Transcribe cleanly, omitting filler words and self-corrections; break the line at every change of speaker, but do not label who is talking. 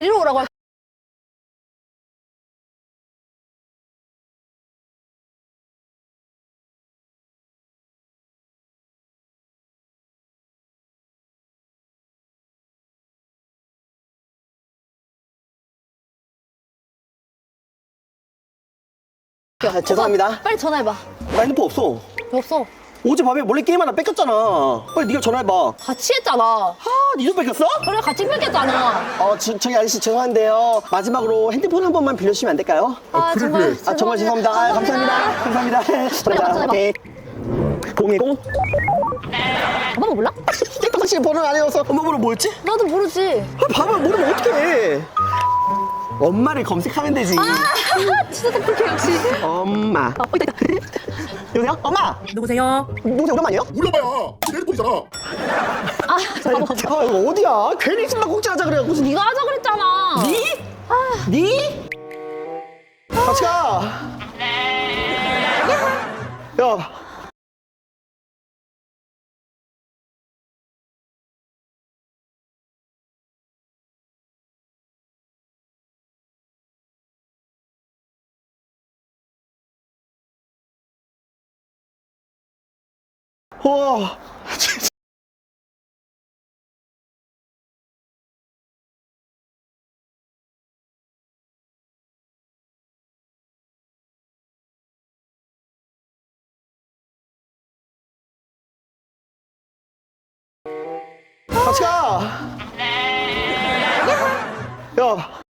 이리 오라고 할.
아, 죄송합니다.
빨리 전화해봐.
나 핸드폰 없어.
왜 없어?
어제 밤에 몰래 게임 하나 뺏겼잖아. 빨리 네가 전화해봐.
같이 했잖아.
아, 니도 뺏겼어?
그래 같이 뺏겼잖아.
저기 아저씨 죄송한데요. 마지막으로 핸드폰 한 번만 빌려주시면 안 될까요?
아
그래,
정말
그래.
아, 정말 죄송합니다. 아, 감사합니다. 감사합니다.
전화해봐.
오케이. 010?
엄마가 몰라?
택시 번호는 안 외워서 엄마 번호 뭐였지?
나도 모르지.
아, 밥을 모르면 어떡해. 엄마를 검색하면 되지.
진짜 똑똑해 역시.
엄마.
있다.
여보세요? 엄마!
누구세요?
누구세요? 오랜만이에요?
몰라봐야 내 핸드폰이잖아.
아 잠깐만.
아, 이거 어디야? 괜히 신발 꼭지하자 그래. 무슨
네가 하자 그랬잖아.
니? 니? 같이 가. 야. 와. 같이 가. 야.